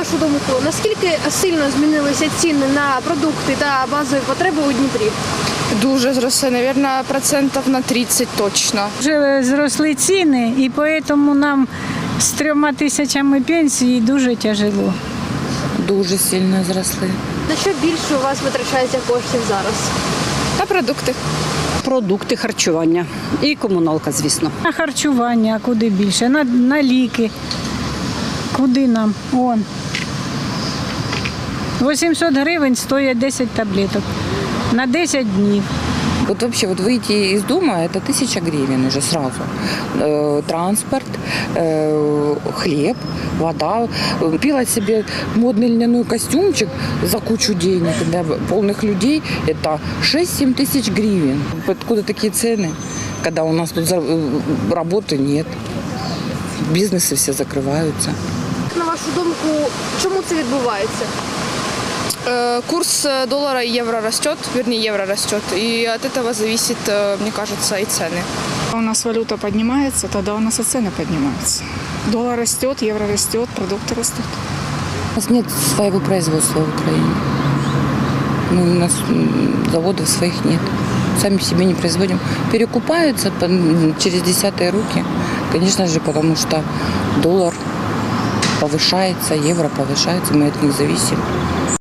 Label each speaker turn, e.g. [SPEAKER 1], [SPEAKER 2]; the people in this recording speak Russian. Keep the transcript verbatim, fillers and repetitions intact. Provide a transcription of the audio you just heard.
[SPEAKER 1] вашу думку, наскільки сильно змінилися ціни на продукти та базові потреби у Дніпрі?
[SPEAKER 2] Дуже зросли, мабуть, процентів на тридцять точно.
[SPEAKER 3] Вже зросли ціни, і тому нам з трьома тисячами пенсії дуже тяжело.
[SPEAKER 4] Дуже сильно зросли.
[SPEAKER 1] На що більше у вас витрачається коштів зараз?
[SPEAKER 2] На продукти.
[SPEAKER 5] Продукти харчування і комуналка, звісно.
[SPEAKER 3] На харчування, а куди більше, на, на ліки. Куди нам? Он. вісімсот гривень стоять десять таблеток на десять днів.
[SPEAKER 4] Вот вообще вот выйти из дома это тысяча гривен уже сразу. Э, транспорт, э, хлеб, вода. Купила себе модный льняной костюмчик за кучу денег для полных людей. Это шесть-семь тысяч гривен. Откуда такие цены, когда у нас тут работы нет, бизнесы все закрываются.
[SPEAKER 1] На вашу думку, чому це відбувається?
[SPEAKER 2] Э, Курс доллара и евро растет, вернее, евро растет. И от этого зависит, э, мне кажется, и цены.
[SPEAKER 6] У нас валюта поднимается, тогда у нас и цены поднимаются. Доллар растет, евро растет, продукты растут.
[SPEAKER 4] У нас нет своего производства в Украине. Ну, у нас заводов своих нет. Сами себе не производим. Перекупаются через десятые руки. Конечно же, потому что доллар повышается, евро повышается, мы от них зависим.